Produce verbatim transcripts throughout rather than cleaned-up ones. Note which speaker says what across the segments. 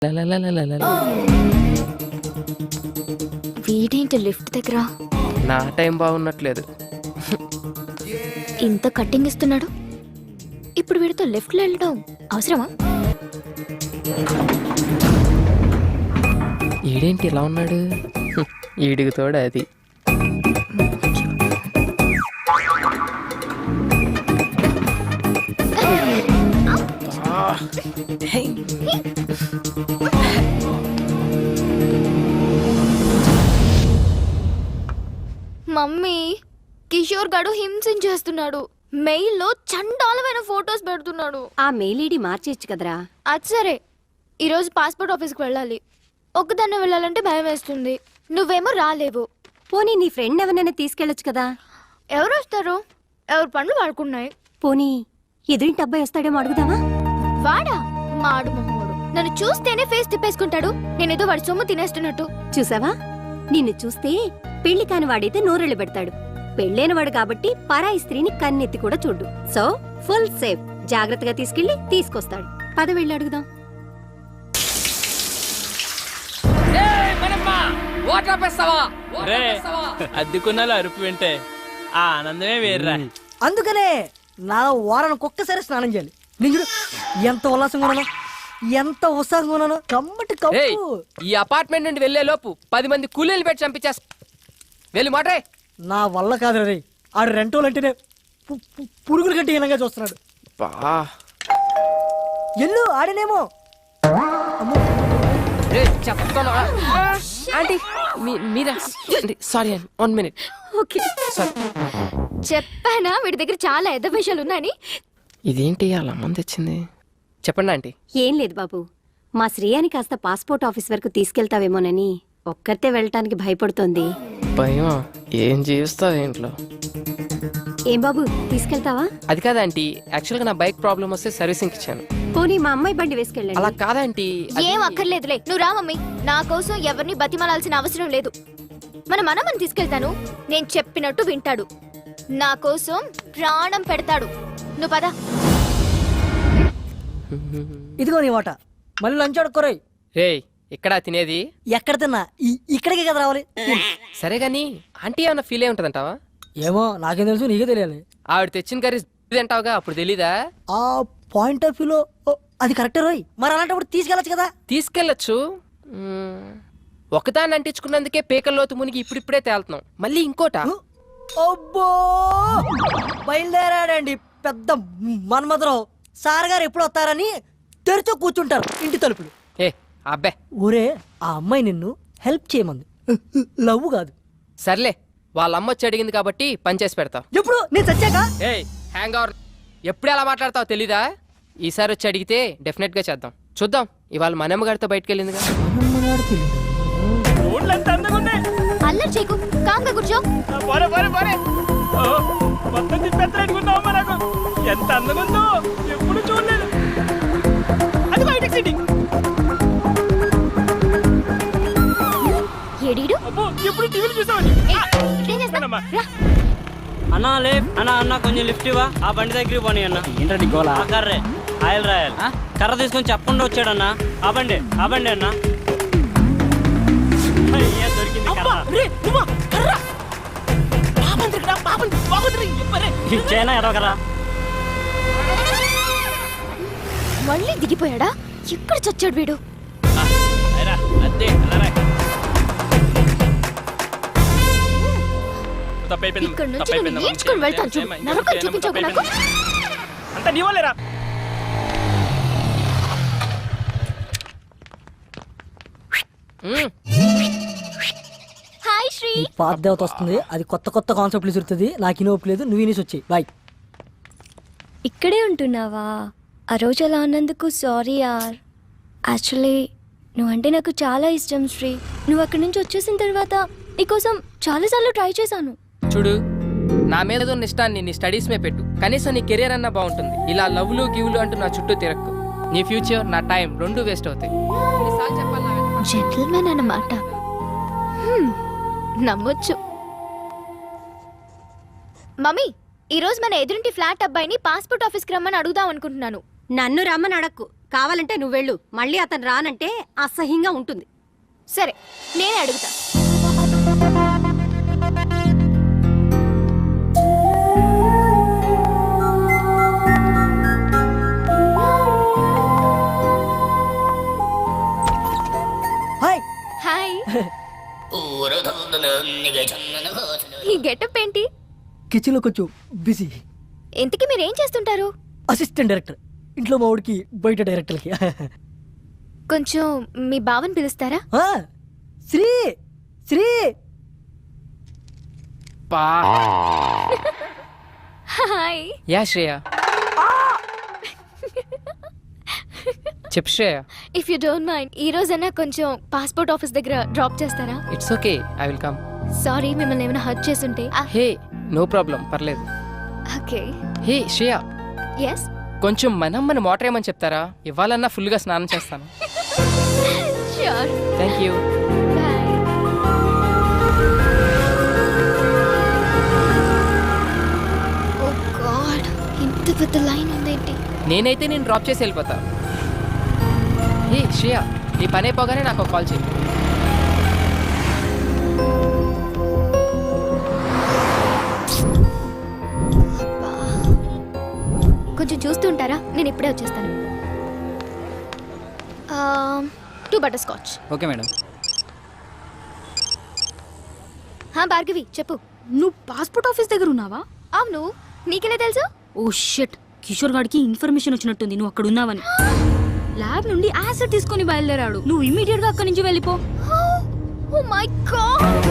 Speaker 1: వీడేంటి లిఫ్ట్ దగ్గర
Speaker 2: నా టైం బాగున్నట్లేదు.
Speaker 1: ఇంత కట్టింగ్ ఇస్తున్నాడు, ఇప్పుడు వీడితో లెఫ్ట్ లో వెళ్ళడం అవసరమా?
Speaker 2: ఈడేంటి ఇలా ఉన్నాడు? ఈడికి తోడు అది.
Speaker 1: మమ్మీ, కిషోర్ గడు హింసించేస్తున్నాడు. మెయిల్ లో చండాలమైన ఫోటోస్ పెడుతున్నాడు.
Speaker 3: ఆ మెయిల్ ఐడి మార్చేయచ్చు కదరా.
Speaker 1: అది సరే, ఈరోజు పాస్పోర్ట్ ఆఫీస్కి వెళ్ళాలి. ఒక్కదాన్నే వెళ్ళాలంటే భయం వేస్తుంది. నువ్వేమో రాలేవు.
Speaker 3: పోనీ నీ ఫ్రెండ్ ఎవరినైనా తీసుకెళ్ళొచ్చు కదా.
Speaker 1: ఎవరు వస్తారు? ఎవరు పనులు వాడుకున్నాయి.
Speaker 3: పోనీ ఎదురింటి అబ్బాయి వస్తాడేమో అడుగుదామా?
Speaker 1: వాడా మాడు మొహోడు. నన్ను చూస్తేనే ఫేస్ తిప్పేసుకుంటాడు. నేనేదో వాడి సొమ్ము తినేస్తున్నట్టు.
Speaker 3: చూసావా, నిన్ను చూస్తే పెళ్లి కాని వాడైతే నోరెళ్ళు పెడతాడు. పెళ్ళైన వాడు కాబట్టి పరాయి స్త్రీని కన్నెత్తి కూడా చూడు. So full safe. జాగ్రత్తగా తీసుకెళ్లి తీసుకొస్తాడు. పద వెళ్ళి అడుగుదాం.
Speaker 4: అద్దెకున్నాలో అరుపు వింటే ఆ ఆనందమే వేర్రా.
Speaker 5: అందుకనే నా వారానికి ఒక్కసారి స్నానం చేయాలి. నేను చూడు ఎంత ఉల్లాసంగా ఉన్నాను, ఎంత ఉత్సాహంగా ఉన్నాను. కమ్మటి కప్పు.
Speaker 2: ఈ అపార్ట్మెంట్ నుండి వెళ్లే లోపు పది మంది కూలీలు పెట్టి చంపించేస్తా. వెళ్ళి మాట్రే.
Speaker 5: నా వల్ల కాదు రే. ఆడు రెంటోలు అంటేనే పు- పు- పురుగుల కంటే హీనంగా చూస్తున్నాడు.
Speaker 2: బా
Speaker 5: ఎల్లు ఆడనేమో.
Speaker 2: చెప్తాను ఆంటీ, మీరా? సారీ అండి, వన్ మినిట్.
Speaker 3: ఓకే,
Speaker 1: చెప్పానా వీడి దగ్గర చాలా ఎద్ద విషయాలు ఉన్నాయని.
Speaker 2: ఇదేంటి అలా మంది తెచ్చింది? చెప్పండి ఆంటీ.
Speaker 3: ఏం లేదు బాబు, మా శ్రేయాని కాస్త పాస్పోర్ట్ ఆఫీస్ వరకు తీసుకెళ్తావేమోనని ఒక్కరితే వెళ్ళటానికి భయపడుతోంది.
Speaker 2: భయం? ఏం జీవిస్తావు ఇంట్లో?
Speaker 3: ఏం బాబు, తీసుకెళ్తావా?
Speaker 2: అది కాదంటీ, యాక్చువల్గా నా బైక్ ప్రాబ్లం వస్తే సర్వీసింగ్ ఇచ్చాను.
Speaker 3: పోనీ మా అమ్మాయి బండి
Speaker 2: అలా
Speaker 3: వేసుకెళ్ళండి.
Speaker 2: కాదంటీ.
Speaker 1: ఏం అక్కర్లేదులే, నువ్వు రా మమ్మీ. నా కోసం ఎవరిని బతిమాలాల్సిన అవసరం లేదు. మన మనమని తీసుకెళ్తాను. నేను చెప్పినట్టు వింటాడు. నా కోసం ప్రాణం పెడతాడు. నువ్వు పద.
Speaker 5: ఇదిగో నీ వాట. మళ్ళీ లంచ్ అడుక్కోరాయి.
Speaker 2: రే, ఇక్కడ తినేది?
Speaker 5: ఎక్కడ తిన్నా ఈ- ఇక్కడికే కదా రావాలి.
Speaker 2: సరే గాని ఆంటీ ఏమన్నా ఫీల్ అయి ఉంటదంటావా?
Speaker 5: ఏమో నాకేం తెలుసు, నీకే తెలియాలి.
Speaker 2: ఆవిడ తెచ్చిన కర్రీ తింటావుగా, అప్పుడు తెలీదా?
Speaker 5: ఆ పాయింట్ ఆఫ్ వ్యూలో అది కరెక్టే రోయ్. మరి అలాంటప్పుడు తీసుకెళ్ళచ్చు కదా.
Speaker 2: తీసుకెళ్ళచ్చు. మ్మ్. ఒకదాన్ని అంటించుకున్నందుకే పేకల్లోతు మునిగి ఇప్పుడిప్పుడే తేలుతున్నాం. మళ్ళీ ఇంకోట.
Speaker 5: అబ్బో, బయలుదేరాడండి పెద్ద మన్మధరావు. సార్ గారు ఎప్పుడు వస్తారని తెరిచో కూర్చుంటారు ఇంటి తలుపులు.
Speaker 2: ఏ అబ్బే,
Speaker 5: ఊరే ఆ అమ్మాయి నిన్ను హెల్ప్ చేయమంది, లవ్ కాదు.
Speaker 2: సర్లే, వాళ్ళ అమ్మ వచ్చి అడిగింది కాబట్టి పని చేసి పెడతావు.
Speaker 5: ఎప్పుడు నేను చచ్చాక?
Speaker 2: ఏ హ్యాంగ్ అవర్, ఎప్పుడు ఎలా మాట్లాడతావు తెలీదా? ఈసారి వచ్చి అడిగితే డెఫినెట్ గా చేద్దాం. చూద్దాం. ఇవాళ మనమ్మ గారితో బయటకు వెళ్ళిందిగా.
Speaker 1: అల్లరి చేయకు, కాంగా కూర్చో.
Speaker 4: పోరే పోరే పోరే. ఓ, మొత్తం తిప్పేస్తారనుకున్నావమ్మా నాకు. ఎంత అందంగా ఉందో ఎప్పుడు చూడలేదు. అది హైటెక్ సిటీ.
Speaker 1: ఎడీడు
Speaker 4: అబ్బో, ఎప్పుడు టీవీలు చూసావని.
Speaker 1: ఇదేం చేస్తావ్? రా.
Speaker 6: అన్నా లే అన్నా అన్న కొంచెం లిఫ్ట్ ఇవ్వా. ఆ బండి దగ్గరికి పోనీ అన్న.
Speaker 4: ఏంటండి గోలా?
Speaker 6: ఆ కర్రే ఆయిల్ రాయాలి. కర్ర తీసుకొని చెప్పకుండా వచ్చాడన్నా. ఆ బండి ఆ బండి అన్న. అయ్యా, దొరికింది కర్ర. ఇచ్చేనా ఎరవకరా.
Speaker 1: మళ్ళీ దిగిపోయాడా? ఎక్కడ చచ్చాడు వీడు?
Speaker 4: అదే
Speaker 1: ఇక్కడ నుంచి నేను నేర్చుకుని వెళ్తాను చూడు. నరకం చూపించకు నాకు.
Speaker 4: అంత నీ వాళ్ళేరా.
Speaker 2: మ్మ్.
Speaker 1: హాయ్ శ్రీ.
Speaker 5: ఈ పాత దేవత వస్తుంది, అది కొత్త కొత్త కాన్సెప్ట్లు చూస్తుంది. నాకు ఇని ఒప్పులేదు, నువ్వు ఇనేసి వచ్చాయి. బాయ్.
Speaker 7: ఇక్కడే ఉంటున్నావా? ఆ రోజు అలా అన్నందుకు సారీ యార్. యాక్చువల్లీ నువ్వంటే నాకు చాలా ఇష్టం శ్రీ. నువ్వు అక్కడి నుంచి వచ్చేసిన తర్వాత నీకోసం చాలాసార్లు ట్రై చేశాను.
Speaker 2: చూడు, నా మీద ఉన్న ఇష్టాన్ని నీ స్టడీస్ మీద పెట్టు. కనీసం నీ కెరీర్ అన్నా బాగుంటుంది. ఇలా లవ్లు గివ్లు అంటూ నా చుట్టూ తిరక్కు. నీ ఫ్యూచర్, నా టైం రెండు వేస్ట్ అవుతాయి. ఎన్నిసార్లు చెప్పాలి నా వెనక?
Speaker 1: జెంటిల్మెన్ అన్నమాట. హ్మ్, నమ్మొచ్చు. మమ్మీ, ఈ రోజు మన ఎదురింటి ఫ్లాట్ అబ్బాయిని పాస్పోర్ట్ ఆఫీస్కి రమ్మని అడుగుదాం అనుకుంటున్నాను.
Speaker 3: నన్ను రమ్మని అడక్కు. కావాలంటే నువ్వు వెళ్ళు, మళ్ళీ అతను రానంటే అసహ్యంగా ఉంటుంది.
Speaker 1: సరే నేనే అడుగుతా.
Speaker 5: హాయ్.
Speaker 1: హాయ్. ఈ గెటప్ ఏంటి?
Speaker 5: కిచెన్ లో కొంచెం బిజీ.
Speaker 1: ఇంతకీ మీరేం చేస్తుంటారు?
Speaker 5: అసిస్టెంట్ డైరెక్టర్, ఇంట్లో మా వాడికి బయట డైరెక్టర్కి.
Speaker 1: కొంచెం మీ బావని పిలుస్తారా?
Speaker 5: ఆ, శ్రీ శ్రీ
Speaker 2: పా
Speaker 1: హాయ్.
Speaker 2: యా శ్రేయ. చెప్పు Shreya.
Speaker 1: If you don't mind ఈ రోజైనా కొంచెం పాస్పోర్ట్ ఆఫీస్ దగ్గర డ్రాప్ చేస్తారా?
Speaker 2: It's okay, I will come.
Speaker 1: Sorry మిమ్మల్ని ఏమైనా హర్ట్ చేసుంటే.
Speaker 2: హే నో ప్రాబ్లం, పర్లేదు.
Speaker 1: ఓకే.
Speaker 2: Hey Shreya,
Speaker 1: yes.
Speaker 2: కొంచెం మనం మన మోటర్ ఏమని చెప్తారా? ఇవ్వాలన్నా ఫుల్గా స్నానం చేస్తాను.
Speaker 1: Sure.
Speaker 2: Thank you.
Speaker 1: Bye. Oh god, ఇంత పెద్ద లైన్ ఉందేంటి?
Speaker 2: నేనైతే నేను డ్రాప్ చేసి వెళ్ళిపోతా. హే శ్రేయ, నీ పని అయిపోగానే నాకు కాల్ చేయి.
Speaker 1: కొంచెం చూస్తుంటారా? నేను ఇప్పుడే వచ్చేస్తాను. Two butterscotch.
Speaker 6: Okay madam.
Speaker 1: హా భార్గవి చెప్పు.
Speaker 8: నువ్వు పాస్పోర్ట్ ఆఫీస్ దగ్గర ఉన్నావా?
Speaker 1: అవును, నీకెలా తెలుసు?
Speaker 8: ఓ షిట్, కిషోర్ గాడికి ఇన్ఫర్మేషన్ వచ్చినట్టుంది నువ్వు అక్కడ ఉన్నావని. ల్యాబ్ నుండి యాసిడ్ తీసుకొని బయలుదేరాడు. నువ్వు ఇమీడియట్ గా అక్కడి నుంచి వెళ్ళిపో.
Speaker 1: Oh my god.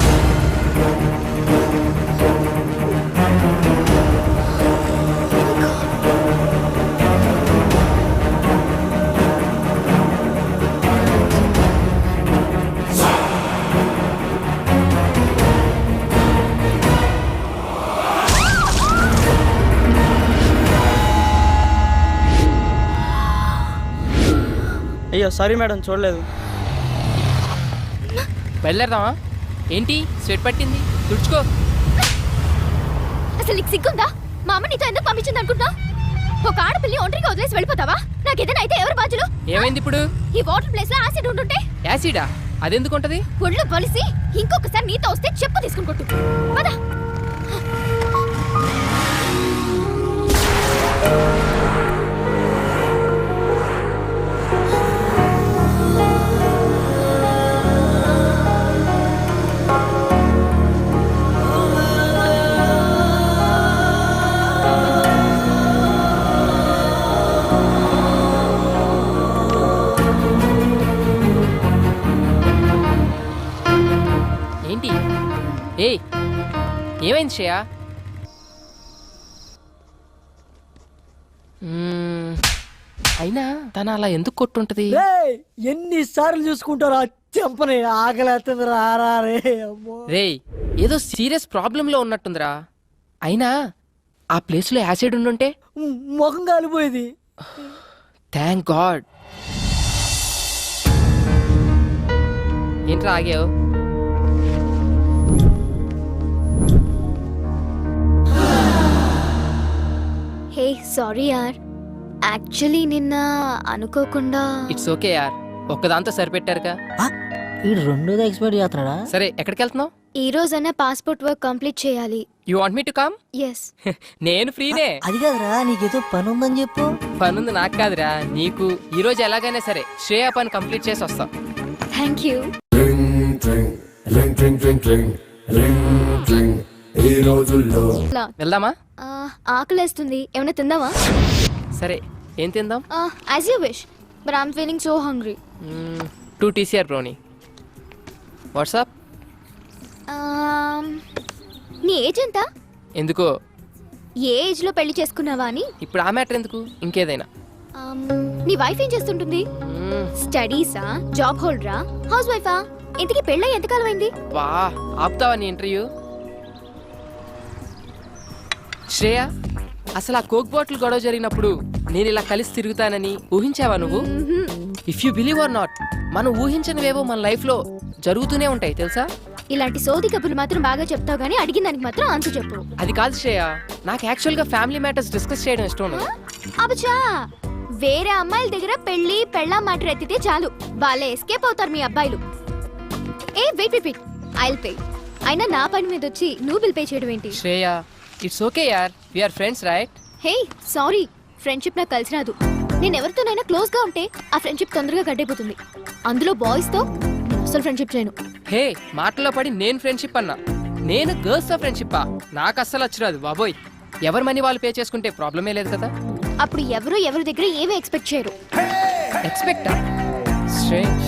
Speaker 6: అయ్యో సారీ మేడం, చూడలేదు.
Speaker 2: బయలుదేరదామా? ఏంటి స్వెట్ పట్టింది? తుడుచుకో.
Speaker 1: అసలు నీకు సిగ్గుందా? మా అమ్మ నీతో ఎందుకు పంపించింది అనుకుంటా? ఒక ఆడపిల్లి ఒంటరిగా వదిలేసి వెళ్ళిపోతావా? నాకేదైనా అయితే ఎవరు బాధ్యులు?
Speaker 2: ఏమైంది ఇప్పుడు?
Speaker 1: ఈ వాటర్ ప్లేస్ లో యాసిడ్ ఉంటుంటే
Speaker 2: యాసిడా? అదెందుకు ఉంటది?
Speaker 1: ఒళ్ళు బలిసి ఇంకొకసారి నీతో వస్తే చెప్పు తీసుకుని కొట్టు. పద.
Speaker 2: ఏంటి? ఏయ్ ఏమైంది శ్రేయ? మ్మ్, అయినా తను అలా ఎందుకు కొట్టుంటది?
Speaker 5: రేయ్, ఎన్నిసార్లు చూసుకుంటారా చెంపని? ఆకలేస్తుంది రారా రే. అమ్మో.
Speaker 2: రేయ్ ఏదో సీరియస్ ప్రాబ్లంలో ఉన్నట్టుందిరా. అయినా ఆ ప్లేస్లో యాసిడ్ ఉండుంటే
Speaker 5: మ్, ముఖం కాలిపోయేది.
Speaker 2: Thank God. ఏంట్రా ఆగావు?
Speaker 1: హే సారీ యార్, యాక్చువల్లీ నిన్న అనుకోకుండా.
Speaker 2: ఇట్స్ ఓకే యార్, ఒక్కదాంతో సరిపెట్టారుగా.
Speaker 5: ఆ, ఈ రెండోది ఎక్స్పైర్ చేస్తున్నాడా?
Speaker 2: సరే ఎక్కడికి వెళ్తున్నావు?
Speaker 1: ఈ రోజైనా పాస్పోర్ట్ వర్క్ కంప్లీట్ చేయాలి.
Speaker 2: You want me to come?
Speaker 1: Yes.
Speaker 2: నేను ఫ్రీనే.
Speaker 5: అది కాదురా, నీకేదో పని ఉందని చెప్పు.
Speaker 2: పనుంది నాకు కాదురా నీకు. ఈ రోజు ఎలాగైనా సరే శ్రేయ పని కంప్లీట్ చేసి వస్తాం.
Speaker 1: Thank you.
Speaker 2: వెళ్దామా?
Speaker 1: ఆకలేస్తుంది, ఏమైనా తిందామా?
Speaker 2: సరే ఏం తిందాం?
Speaker 1: As you wish, but I'm feeling so hungry.
Speaker 2: Two TCR brownie. What's up?
Speaker 1: నీ ఏజ్ ఎంత?
Speaker 2: ఎందుకో
Speaker 1: ఏ ఏజ్ లో పెళ్లి చేసుకున్నావా అని.
Speaker 2: ఇప్పుడు ఆ మ్యాటర్ ఎందుకు, ఇంకేదైనా.
Speaker 1: Um, నీ వైఫ్ ఏం చేస్తుంటుంది?
Speaker 2: మ్మ్,
Speaker 1: స్టడీసా, జాబ్ హోల్డరా, హౌస్ వైఫా? ఇంతకీ పెళ్ళై ఎంతకాలం అయింది?
Speaker 2: వా ఆపుతావా నీ ఇంటర్వ్యూ? శ్రేయ, అసలు ఆ కోక్ బాటిల్ గొడవ జరిగినప్పుడు నేను ఇలా కలిసి తిరుగుతానని ఊహించావా నువ్వు? If you believe or not, మనం ఊహించనివేవో మన లైఫ్ లో జరుగుతూనే ఉంటాయి తెలుసా.
Speaker 1: ఇలాంటి సోది కబుర్లు మాత్రం బాగా చెప్తావు గానీ అడిగిన దానికి మాత్రం ఆన్సర్ చెప్పు.
Speaker 2: అది కాదు శ్రేయ, నాకు యాక్చువల్ గా ఫ్యామిలీ మ్యాటర్స్ డిస్కస్ చేయడం ఇష్టం ఉండదు.
Speaker 1: అబచా, వేరే అమ్మాయిల దగ్గర పెళ్లి పెళ్ళా మ్యాటర్ ఎత్తితే చాలు వాళ్ళే ఎస్కేప్ అవుతారు మీ అబ్బాయిలు. ఏ wait wait wait I'll pay. అయినా నా పని మీద వచ్చి నువ్వు బిల్ పే చేయడం ఏంటి?
Speaker 2: శ్రేయ ఇట్స్ ఓకే యార్, we are friends right?
Speaker 1: Hey sorry, friendship నాకు కలిసి రాదు. నేను ఎవరితోనైనా క్లోజ్ గా ఉంటే ఆ ఫ్రెండ్షిప్ తొందరగా గడ్డైపోతుంది. అందులో బాయ్స్ తో నేను అసలు ఫ్రెండ్షిప్ చేయను.
Speaker 2: హే మాటలో పడి నేను ఫ్రెండ్షిప్ అన్నా, నేను గర్ల్స్ తో ఫ్రెండ్షిప్ నాకు అస్సలు వచ్చిరాదు బాబోయ్. ఎవరి మనీ వాళ్ళు పే చేసుకుంటే ప్రాబ్లమే లేదు కదా.
Speaker 1: అప్పుడు ఎవరు ఎవరి దగ్గర ఏమీ ఎక్స్పెక్ట్ చేయరు.
Speaker 2: Expect strange.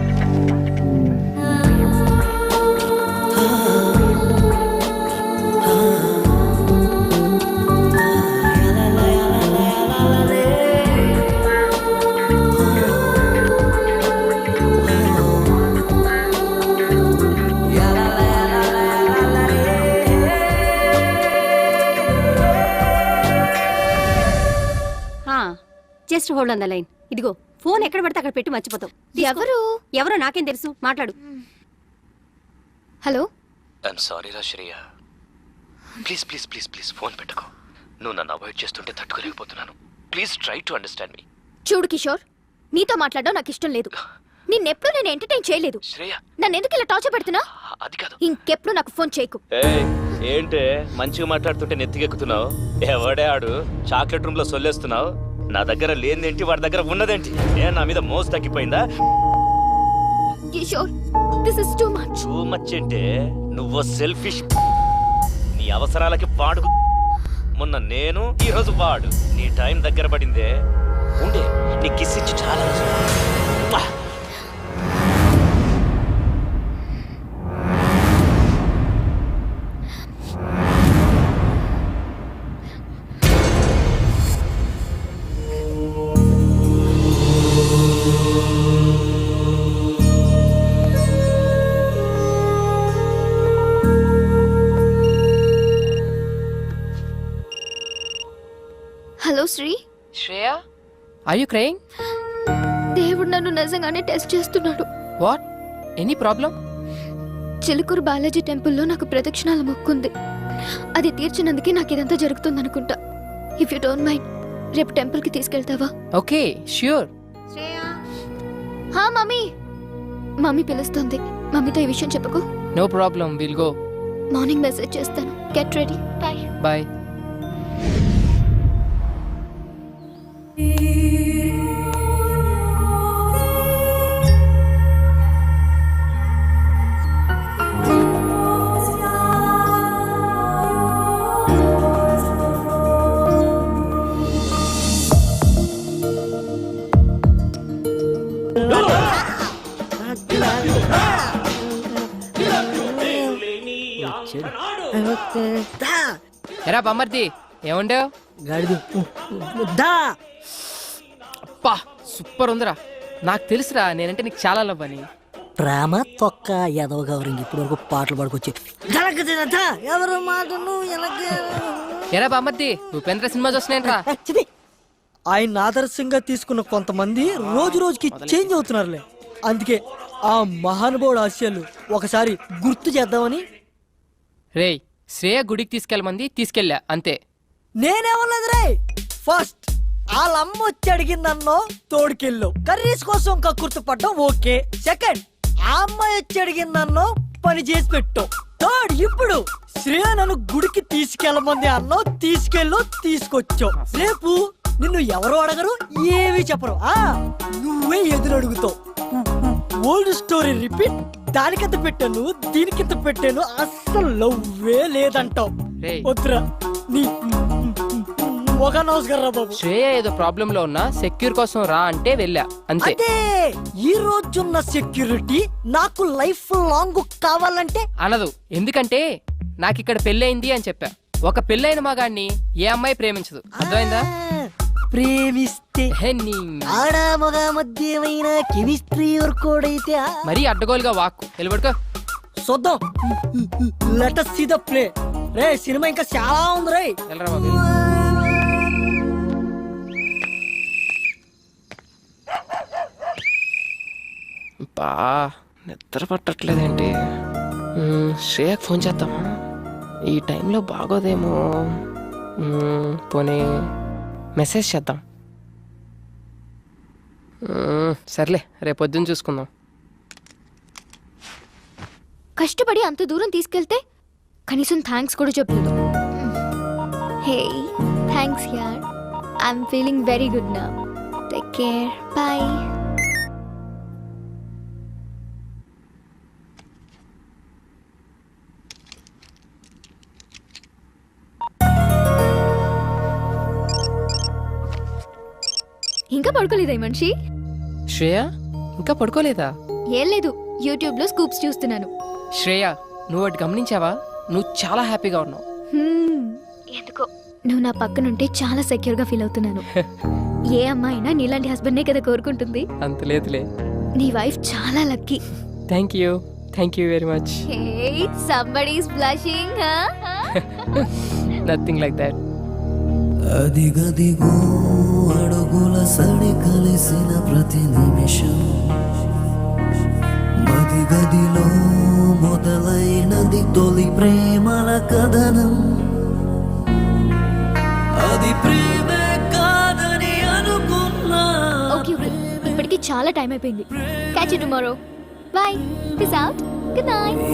Speaker 3: Just hold on the line. ఇదిగో ఫోన్ ఎక్కడ పడితే అక్కడ పెట్టి మర్చిపోతావు. తీసుకో.
Speaker 1: ఎవరు?
Speaker 3: ఎవరో నాకేం తెలుసు, మాట్లాడు.
Speaker 1: హలో,
Speaker 9: ఐఎమ్ సారీ రా Shreya, please please please please phone పెట్టుకో. నువ్వు నన్ను అవాయిడ్ చేస్తుంటే తట్టుకోలేకపోతున్నాను. Please try to understand me.
Speaker 1: చూడు కిషోర్, నీతో మాట్లాడడం నాకు ఇష్టం లేదు. నిన్నెప్పుడు నేను ఎంటర్టైన్ చేయలేదు.
Speaker 9: శ్రేయ
Speaker 1: నన్ను ఎందుకు ఇలా టార్చర్ పెడుతున్నా?
Speaker 9: అది కాదు.
Speaker 1: ఇంకెప్పుడు నాకు ఫోన్ చేయకు.
Speaker 9: ఏంటే మంచిగా మాట్లాడుతుంటే నెత్తికెక్కుతున్నావు? ఎవడే ఆడు చాక్లెట్ రూమ్ లో సొల్లేస్తున్నావు? నా దగ్గర లేనిదేంటి, వాడి దగ్గర ఉన్నదేంటి? ఏ నా మీద మోసు తగ్గిపోయిందా?
Speaker 1: Kishore, this is too much.
Speaker 9: Too much అంటే నువ్వు సెల్ఫిష్. నీ అవసరాలకి వాడు. మొన్న నేను, ఈ రోజు వాడు. నీ టైం దగ్గర పడిందే. ఉండే నీ కిస్ ఇచ్చి చాలా రోజు.
Speaker 1: Hello Shri.
Speaker 2: Shreya are you crying?
Speaker 1: దేవుడు నన్ను నిజంగానే టెస్ట్ చేస్తున్నాడు.
Speaker 2: What? Any problem?
Speaker 1: Chilkur Balaji టెంపుల్లో నాకు ప్రదక్షిణాల మొక్కుంది. అది తీర్చినందుకే నాకు ఇదంతా జరుగుతుంది అనుకుంటా. ఇఫ్ యూ డోంట్ మైండ్, రేపు టెంపుల్ కి తీసుకెళ్తావా?
Speaker 2: Okay sure.
Speaker 1: హా మమ్మీ, మమ్మీ పిలుస్తుంది. మమ్మీతో ఈ విషయం చెప్పకు.
Speaker 2: No problem, will go.
Speaker 1: Morning message చేస్తాను. Get ready. Bye
Speaker 2: bye. ఎరా బొమ్మర్ది ఏముండవు?
Speaker 5: గాడిది దా.
Speaker 2: అప్పా సూపర్ ఉందిరా. నాకు తెలుసురా నేనంటే నీకు చాలా లవ్ అని.
Speaker 5: ప్రేమ తొక్క ఎదవ గౌరింగ్ ఇప్పటి వరకు పాటలు పాడుకొచ్చి ఎవరు మాటను
Speaker 2: ఎరా బామ్మర్ది ఉపేంద్ర సినిమా చూస్తున్నాయంట్రా.
Speaker 5: ఆయన ఆదర్శంగా తీసుకున్న కొంతమంది రోజు రోజుకి చేంజ్ అవుతున్నారులే. అందుకే ఆ మహానుభావుడు ఆశయాలు ఒకసారి గుర్తు చేద్దామని.
Speaker 2: రేయ్ శ్రేయ గుడికి తీసుకెళ్ళమంది, తీసుకెళ్ళా అంతే.
Speaker 5: నేనేమన్నది రే. ఫస్ట్ వాళ్ళ అమ్మ వచ్చి అడిగిందన్నో తోడుకెళ్ళు, కర్రీస్ కోసం కక్కుర్తి పడ్డం ఓకే. సెకండ్ ఆ అమ్మాయి వచ్చి అడిగిందన్నో పని చేసి పెట్టు. థర్డ్ ఇప్పుడు శ్రేయ నన్ను గుడికి తీసుకెళ్ళమంది అన్నో తీసుకెళ్ళు, తీసుకొచ్చావు. రేపు నిన్ను ఎవరు అడగరు, ఏమీ చెప్పరు. ఆ నువ్వే ఎదురు అడుగుతావు. Old story repeat. దానికింత పెట్టాను, దీనికింత పెట్టాను, అస్సలు లవ్వే లేదంటావు. వద్దురా నీ ఒక నమస్కారం బాబు.
Speaker 2: శ్రేయ ఏదో ప్రాబ్లం లో ఉన్నా సెక్యూర్ కోసం రా అంటే వెళ్ళా అంతే.
Speaker 5: అదే ఈ రోజున్న సెక్యూరిటీ నాకు లైఫ్ లాంగ్ కావాలంటే
Speaker 2: అనదు. ఎందుకంటే నాకు ఇక్కడ పెళ్ళయింది అని చెప్పా. ఒక పెళ్ళైన మగాడిని ఏ అమ్మాయి ప్రేమించదు, అర్థమైందా?
Speaker 5: ప్రేమిస్తే ఆడ మగ మధ్యమైన కెమిస్ట్రీ వర్కౌట్ అయితే
Speaker 2: మరీ అడ్డగోలుగా వాక్కు నిలబడుకో.
Speaker 5: చూద్దాం. Let us see the play. రే సినిమా ఇంకా చాలా ఉంది రే.
Speaker 2: వెళ్ళరా బాబు. బా నిద్ర పట్టట్లేదేంటి? శ్రేయకు ఫోన్ చేద్దామా? ఈ టైంలో బాగోదేమో. పోనీ మెసేజ్ చేద్దాం. మ్మ్, సర్లే రేపు పొద్దున్న చూసుకుందాం.
Speaker 1: కష్టపడి అంత దూరం తీసుకెళ్తే కనీసం థ్యాంక్స్ కూడా చెప్పలేదు. హే థ్యాంక్స్ యార్, ఐఎమ్ ఫీలింగ్ వెరీ గుడ్ నా. Take care, bye. ఇంకా పడుకోలేదా ఈ మనిషి?
Speaker 2: శ్రేయ ఇంకా పడుకోలేదా?
Speaker 1: ఏం లేదు, యూట్యూబ్ లో స్కూప్స్ చూస్తున్నాను.
Speaker 2: శ్రేయ నువ్వు అటు గమనించావా? నువ్వు చాలా హ్యాపీగా ఉన్నావు.
Speaker 1: హ్మ్, ఎందుకో నువ్వు నా పక్కనుంటే చాలా సెక్యూర్ గా ఫీల్ అవుతున్నాను. ఏ అమ్మాయినా నీలాంటి హస్బెండ్నే కదా కోరుకుంటుంది.
Speaker 2: అంత లేదులే.
Speaker 1: నీ వైఫ్ చాలా lucky.
Speaker 2: Thank you thank you very much.
Speaker 1: Hey somebody is blushing.
Speaker 2: Nothing like that.
Speaker 10: అదిగదిగో అడుగుల సడి కలిసిన ప్రతి నిమిషం మదిగదిలో మొదలైనది తొలి ప్రేమల కథనం. అది ప్రేమే కాదని అనుకున్నా.
Speaker 1: ఓకే ఓకే, ఇప్పటికి చాలా టైం అయిపోయింది. Catch you tomorrow. Bye. Peace out. Good night.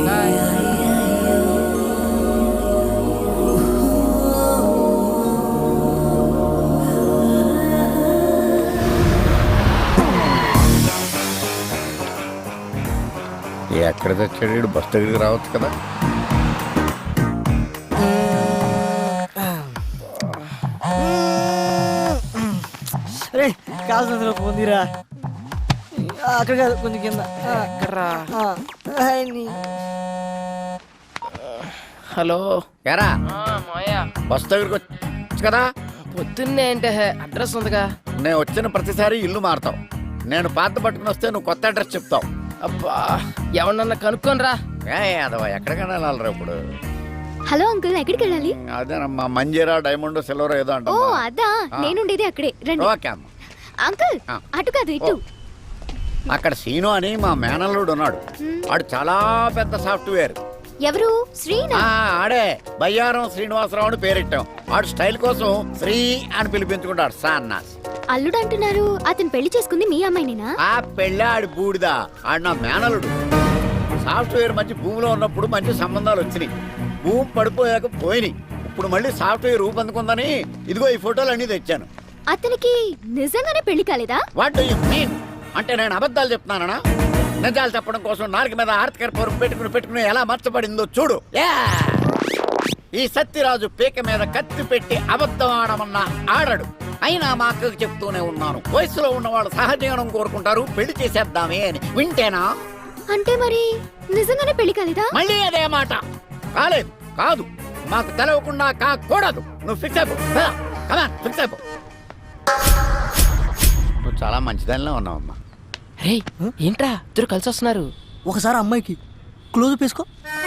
Speaker 11: ఎక్కడ తెచ్చాడు? బస్ దగ్గరికి రావచ్చు కదా.
Speaker 5: రే కాల్సిన పొందిరా. అక్కడ కాదు, కొంచెం కింద. ఆ, హాయ్ నీ.
Speaker 2: హలో.
Speaker 11: ఎరా
Speaker 2: మాయా
Speaker 11: బస్ దగ్గరికి వచ్చు కదా.
Speaker 2: పొద్దున్నే అంటే అడ్రస్ ఉందిగా.
Speaker 11: నేను వచ్చిన ప్రతిసారి ఇల్లు మారుతావు. నేను పాత పట్టుకుని వస్తే నువ్వు కొత్త అడ్రస్ చెప్తావు.
Speaker 2: అబ్బా ఎవరన్నా కనుక్కోనరా.
Speaker 11: ఏ అదవా ఎక్కడికైనా వెళ్ళాలరా ఇప్పుడు.
Speaker 1: హలో అంకుల్, ఎక్కడికి వెళ్ళాలి?
Speaker 11: అదేనమ్మా మంజీరా డైమండ్ సిల్వర్ ఏదో
Speaker 1: ఓ
Speaker 11: అంట.
Speaker 1: అదా, నేనుండేది అక్కడే. రండి.
Speaker 11: ఓకే అమ్మ.
Speaker 1: అంకుల్
Speaker 11: ఆ.
Speaker 1: అటు కాదు ఇటు.
Speaker 11: అక్కడ సీను అని మా మేనల్లుడు ఉన్నాడు. ఆడు చాలా పెద్ద సాఫ్ట్వేర్.
Speaker 1: ఎవరు? శ్రీనా?
Speaker 11: ఆ, ఆడే బయ్యారం శ్రీనివాసరావు అని పేరెట్టాం. ఆడు స్టైల్ కోసం శ్రీ అని పిలిపించుకుంటాడు సాన్నాస్.
Speaker 1: అల్లుడు అంటున్నారు, అతను పెళ్లి చేసుకుంది మీ అమ్మాయినేనా?
Speaker 11: ఆ పెళ్ళి ఆడి బూడిదా. ఆడు నా మేనలుడు. సాఫ్ట్వేర్ మంచి భూమిలో ఉన్నప్పుడు మంచి సంబంధాలు వచ్చినాయి. భూమి పడిపోయాక పోయినాయి. ఇప్పుడు మళ్ళీ సాఫ్ట్వేర్ రూపొందుకుందని ఇదిగో ఈ ఫోటోలు అన్ని తెచ్చాను.
Speaker 1: అతనికి నిజంగానే పెళ్లి కాలేదా?
Speaker 11: What do you mean? అంటే నేను అబద్ధాలు చెప్తున్నానా? నిజాలు చెప్పడం కోసం నాలుగు మీద ఆర్తికర పొరుగు పెట్టుకుని పెట్టుకుని ఎలా మర్చబడిందో చూడు. యా! ఈ సత్యరాజు పీక మీద కత్తి పెట్టి అబద్ధం ఆడమన్నా ఆడడు. అయినా మా అక్కకు చెప్తూనే ఉన్నాను, వయసులో ఉన్నవాళ్ళు సహజీవనం కోరుకుంటారు, పెళ్లి చేసేద్దామే అని. వింటేనా?
Speaker 1: అంటే మరి నిజంగానే పెళ్లి కాలేదా?
Speaker 11: మళ్ళీ అదే మాట. కాలేదు, కాదు, మాకు తెలవకుండా కాకూడదు. నువ్వు ఫిక్స్ అయిపో. కమాన్, ఫిక్స్ అయిపో. నువ్వు చాలా మంచిదానిలో ఉన్నావమ్మా.
Speaker 2: రే ఏంట్రా ఇద్దరు కలిసి వస్తున్నారు?
Speaker 5: ఒకసారి అమ్మాయికి క్లోజ్ వేసుకో.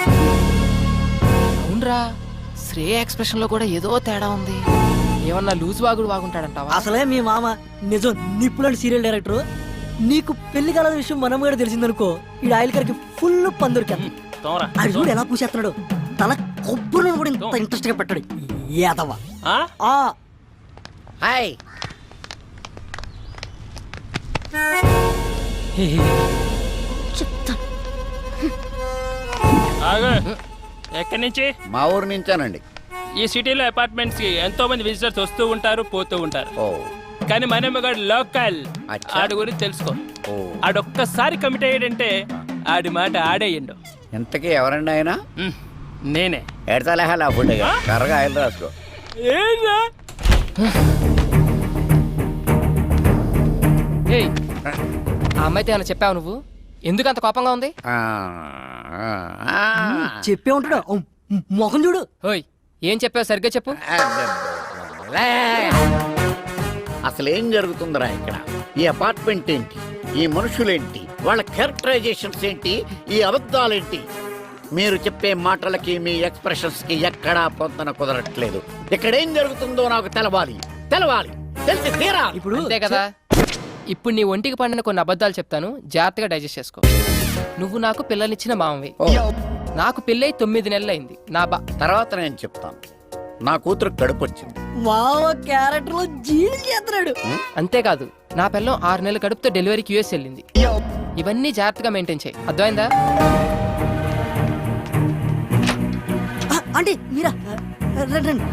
Speaker 2: అవునరా, శ్రేయ ఎక్స్ప్రెషన్ లో కూడా ఏదో తేడా ఉంది. ఏమన్నా లూజ్ వాగుడు వాగుంటాడంటావా?
Speaker 5: అసలే మీ మామ నిజం నిప్పులాంటి సీరియల్ డైరెక్టర్. నీకు పెళ్లి కాల విషయం మనం కూడా తెలిసిందనుకో, ఈ ఆయిల్ కరికి ఫుల్ పందురికి. అది చూడు ఎలా పూసేస్తున్నాడు. తల కొబ్బరి కూడా ఇంత ఇంట్రెస్ట్ గా పెట్టాడు. ఏదవా?
Speaker 11: హాయ్.
Speaker 1: చెప్తాను.
Speaker 4: ఎక్కడి నుంచి?
Speaker 11: మా ఊరు నుంచానండి.
Speaker 4: ఈ సిటీలో అపార్ట్మెంట్స్ కి ఎంతో మంది విజిటర్స్ వస్తూ ఉంటారు, పోతూ ఉంటారు.
Speaker 11: ఓ
Speaker 4: కానీ మనమ్మగాడు లోకల్.
Speaker 11: అచ్చా.
Speaker 4: ఆడి గురించి తెలుసుకో.
Speaker 11: ఓ
Speaker 4: ఆడొక్కసారి కమిట్ అయ్యాడంటే ఆడి మాట ఆడేయండు.
Speaker 11: ఇంతకీ ఎవరండి ఆయన?
Speaker 4: ఉమ్, నేనే.
Speaker 11: ఎడతలేహాలి ఆ ఫుడ్ కర్రగా ఆయిల్ రాసుకో.
Speaker 4: ఏంరా?
Speaker 2: ఏయ్, ఆ అమ్మాయితో ఏమైనా చెప్పావు నువ్వు? ఎందుకు అంత కోపంగా ఉంది?
Speaker 11: ఆ, ఆ, ఆ.
Speaker 5: చెప్పే ఉంటాడు. మొఖం చూడు.
Speaker 2: ఓయ్ ఏం చెప్పావు సరిగ్గా చెప్పు.
Speaker 11: లే. అసలు ఏం జరుగుతుందిరా ఇక్కడ? ఈ అపార్ట్మెంట్ ఏంటి? ఈ మనుషులేంటి? వాళ్ళ క్యారెక్టరైజేషన్స్ ఏంటి? ఈ అబద్ధాలేంటి? మీరు చెప్పే మాటలకి మీ ఎక్స్ప్రెషన్స్ కి ఎక్కడా పొందన కుదరట్లేదు. ఇక్కడ ఏం జరుగుతుందో నాకు తెలవాలి, తెలవాలి, తెలిసి తీరా.
Speaker 5: ఇప్పుడు
Speaker 2: అంతే కదా. ఇప్పుడు నీ ఒంటికి పండిన కొన్ని అబద్ధాలు చెప్తాను, జాగ్రత్తగా డైజెస్ట్ చేసుకో. నువ్వు నాకు పిల్లనిచ్చిన మామవి.
Speaker 11: ఓ,
Speaker 2: నాకు పెళ్ళై తొమ్మిది నెలలైంది. నా బా
Speaker 11: తర్వాత నేను చెప్తాను. నా కూతురు కడుపు వచ్చింది.
Speaker 5: మామ క్యారెక్టర్ లో జీడి చేస్తున్నాడు.
Speaker 2: అంతేకాదు నా పిల్లం ఆరు నెలల కడుపుతో డెలివరీకి యూఎస్ వెళ్ళింది. ఇవన్నీ జాగ్రత్తగా మెయింటైన్ చేయి, అర్థమైందా?
Speaker 5: అంటే మీరా రండి రండి.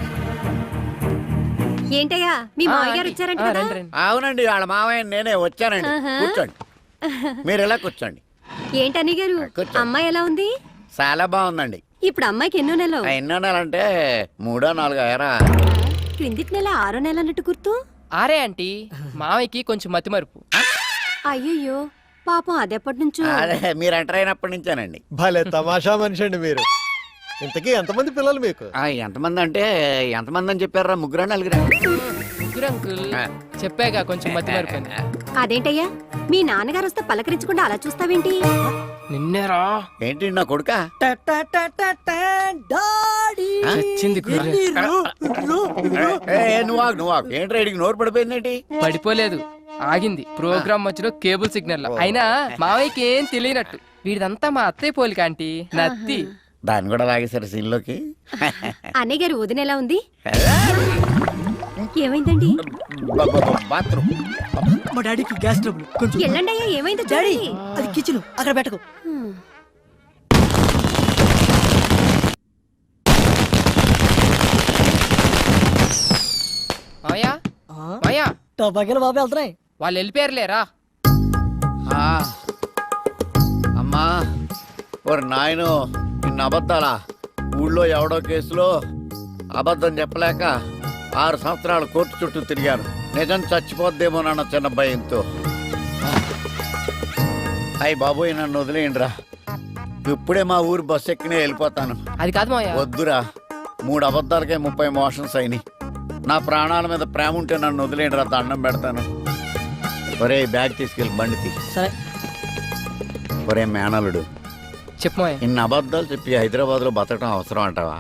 Speaker 3: ఏంటయ్యా మీ
Speaker 2: ఆ,
Speaker 3: మామయ్య గారు
Speaker 2: ఆంటీ.
Speaker 3: వచ్చారంట
Speaker 2: ఆ,
Speaker 3: కదా
Speaker 2: రండి, రండి.
Speaker 11: అవునండి, వాళ్ళ మావయ్య నేనే వచ్చానండి.
Speaker 3: ఆహా.
Speaker 11: కూర్చోండి, మీరు ఎలా కూర్చోండి.
Speaker 3: ఏంటని గారు
Speaker 11: కూర్చోండి.
Speaker 3: అమ్మాయి ఎలా ఉంది?
Speaker 11: చాలా బాగుందండి.
Speaker 3: ఇప్పుడు అమ్మాయికి ఎన్నో నెలలు?
Speaker 11: ఆ, ఎన్నో నెలంటే మూడో నాలుగో ఎరా.
Speaker 3: క్రిందిటి నెల ఆరో నెల అన్నట్టు గుర్తు.
Speaker 2: ఆరే ఆంటీ, మావయ్యకి కొంచెం మతిమరుపు.
Speaker 3: అయ్యయ్యో పాపం అదెప్పటి నుంచో.
Speaker 11: అదే మీరు ఎంటర్ అయినప్పటి నుంచేనండి.
Speaker 12: భలే తమాషా మనిషి అండి మీరు. ఇంతకీ ఎంతమంది పిల్లలు మీకు?
Speaker 11: ఆ, ఎంతమంది అంటే ఎంతమంది అని చెప్పారా? ముగ్గురా నలుగురా?
Speaker 2: ముగ్గురు అంకుల్,
Speaker 11: ఆ.
Speaker 2: చెప్పాగా కొంచెం మతిమరుపు అని.
Speaker 3: అదేంటయ్యా మీ నాన్నగారు వస్తే పలకరించకుండా అలా చూస్తావేంటి?
Speaker 2: నిన్నేరా
Speaker 11: ఏంటి నా కొడుకా?
Speaker 5: టా టా టా టా టా, డాడీ.
Speaker 2: చచ్చింది గుర్రె.
Speaker 5: ఎన్ని రో- రో- రో-
Speaker 11: ఏ, ఏ, నువ్వు ఆగు, నువ్వు ఆగు. ఏంటి రైడికి నోరు పడిపోయిందేంటి?
Speaker 2: పడిపోలేదు, ఆగింది. ప్రోగ్రామ్ మధ్యలో కేబుల్ సిగ్నల్ లో. అయినా మావయ్యకి ఏం తెలియనట్టు. వీడిదంతా మా అత్తయ్య పోలిక ఆంటీ, నత్తి.
Speaker 11: దాన్ని కూడా లాగేశారు సీన్లోకి.
Speaker 3: అన్నయ్య గారు వదిన ఎలా ఉంది? ఏమైందండి?
Speaker 11: బాత్రూమ్.
Speaker 5: మా డాడీకి గ్యాస్ ట్రబుల్ కొంచెం.
Speaker 3: ఎల్లండి అయ్యా, ఏమైందో
Speaker 5: డాడీ
Speaker 3: చూడండి.
Speaker 5: అది కిచెన్, అక్కడ పెట్టకు.
Speaker 3: హ్మ్.
Speaker 2: మావయ్య, మావయ్య,
Speaker 5: టబాకెళ్ళి బాబు వెళ్తున్నాయి.
Speaker 2: వాళ్ళు వెళ్ళిపోయారులేరా.
Speaker 11: ఆ, అమ్మా ఓరి నాయను, ఇన్ని అబద్ధాలా? ఊళ్ళో ఎవడో కేసులో అబద్ధం చెప్పలేక ఆరు సంవత్సరాలు కోర్టు చుట్టూ తిరిగాను. నిజం చచ్చిపోద్దేమోనన్న చిన్న భయంతో. అయ్యి బాబోయ్, నన్ను వదిలేయండిరా. ఇప్పుడే మా ఊరు బస్సు ఎక్కినే వెళ్ళిపోతాను.
Speaker 2: అది కాదు మావయ్య.
Speaker 11: వద్దురా, మూడు అబద్ధాలకే ముప్పై మోషన్స్ అయినాయి. నా ప్రాణాల మీద ప్రేమ ఉంటే నన్ను వదిలేయండిరా, దండం పెడతాను. ఒరే బ్యాగ్ తీసుకెళ్ళి బండి తీ.
Speaker 5: సరే.
Speaker 11: ఒరే మేనలుడు,
Speaker 2: చెప్పు మావయ్య.
Speaker 11: ఇన్ని అబద్ధాలు చెప్పి హైదరాబాద్ లో బతకడం అవసరం అంటావా?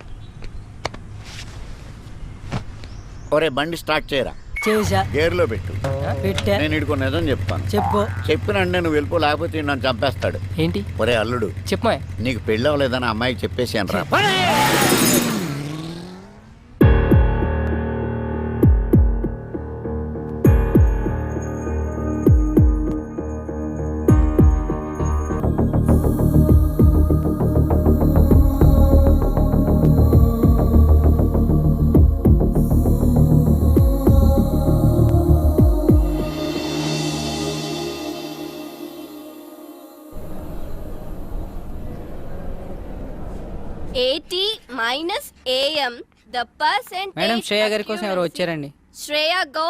Speaker 11: ఒరే బండి స్టార్ట్ చేయరా,
Speaker 5: చేసా
Speaker 11: గేర్లో పెట్టు.
Speaker 5: పెట్టా.
Speaker 11: నేను ఇడుకో నిజం చెప్తాను.
Speaker 5: చెప్పు.
Speaker 11: చెప్పినంటే నువ్వు వెళ్ళిపో, లేకపోతే ఈడు నన్ను చంపేస్తాడు.
Speaker 2: ఏంటి?
Speaker 11: ఒరే అల్లుడు,
Speaker 2: చెప్పు మావయ్య.
Speaker 11: నీకు పెళ్ళి అవ్వలేదని అమ్మాయికి చెప్పేసాను రా.
Speaker 7: Eighty minus AM the percent.
Speaker 6: Madam Shreya గారి కోసం ఎవరు వచ్చారండి?
Speaker 7: శ్రేయ గో.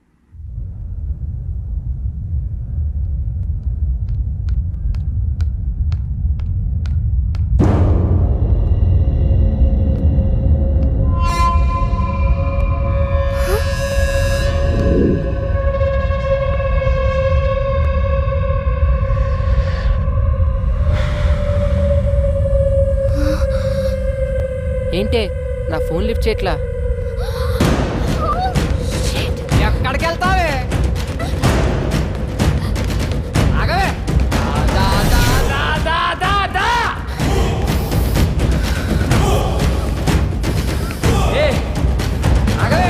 Speaker 2: ఏంటే నా ఫోన్ లిఫ్ట్ చేయట్లా? ఎక్కడికి వెళ్తావే? ఆగవే. దా, దా, దా, దా, దా, దా. ఏ, ఆగవే.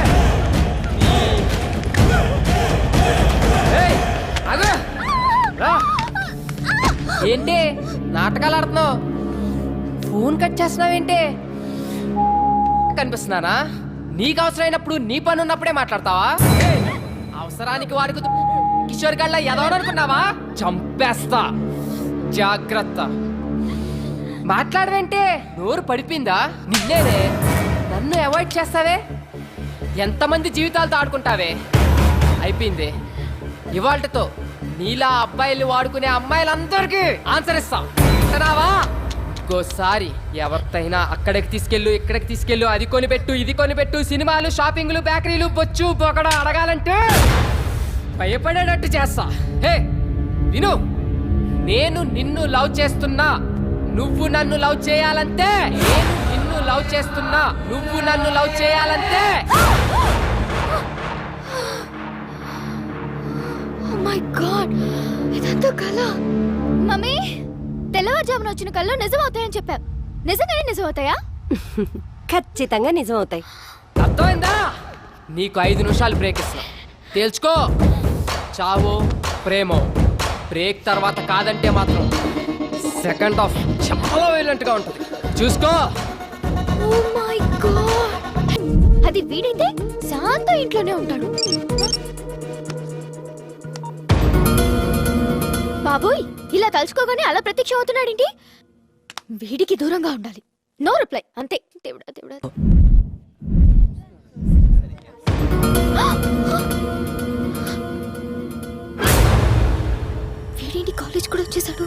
Speaker 2: ఏయ్, ఆగవే. రా. ఏంటి నాటకాలు ఆడుతున్నావు? ఫోన్ కట్ చేస్తున్నావేంటి? కనిపిస్తున్నానా? నీకు అవసరమైనప్పుడు నీ పని ఉన్నప్పుడే మాట్లాడతావా? ఏయ్, అవసరానికి వాడుకు కిషోర్ గళ్ళ ఎదవననుకున్నావా? చంపేస్తా, జాగ్రత్త. మాట్లాడవేంటే? నోరు పడిపోయిందా? నిన్నేనే. నన్ను అవాయిడ్ చేస్తావే? ఎంతమంది జీవితాలతో ఆడుకుంటావే? అయిపోయింది. ఇవాళ్టితో నీలా అబ్బాయిలు వాడుకునే అమ్మాయిలందరికీ ఆన్సర్ ఇస్తా. వింటున్నావా? ఇంకోసారి ఎవరితైనా అక్కడికి తీసుకెళ్ళు, ఇక్కడికి తీసుకెళ్ళు, అది కొనిపెట్టు, ఇది కొనిపెట్టు, సినిమాలు, షాపింగ్లు, బేకరీలు, బొచ్చు బొకడ అడగాలంటే భయపడేటట్టు చేస్తా. హే విను, నేను నిన్ను లవ్ చేస్తున్నా, నువ్వు నన్ను లవ్ చేయాలంటే. నేను నిన్ను లవ్ చేస్తున్నా, నువ్వు నన్ను లవ్ చేయాలంటే.
Speaker 1: ఓ మై గాడ్, ఇదంతా కల. మమ్మీ, తెల్లవారుజామున వచ్చిన కళ్ళు నిజం అవుతాయని చెప్పా. నిజంగానే నిజం అవుతాయా?
Speaker 3: ఖచ్చితంగా నిజం అవుతాయి.
Speaker 2: అర్థమైందా? నీకు ఐదు నిమిషాలు బ్రేక్ ఇస్తున్నా, తేల్చుకో. చావో ప్రేమో బ్రేక్ తర్వాత కాదంటే మాత్రం సెకండ్ హాఫ్ చాలా వైలెంట్ గా ఉంటుంది చూసుకో.
Speaker 1: ఓ మై గాడ్, అది వీడైతే శాంత ఇంట్లోనే ఉంటాడు. బాబోయ్, ఇలా తలుచుకోగానే అలా ప్రత్యక్షం అవుతున్నాడేంటి? వీడికి దూరంగా ఉండాలి. నో రిప్లై, అంతే. దేవుడా దేవుడా.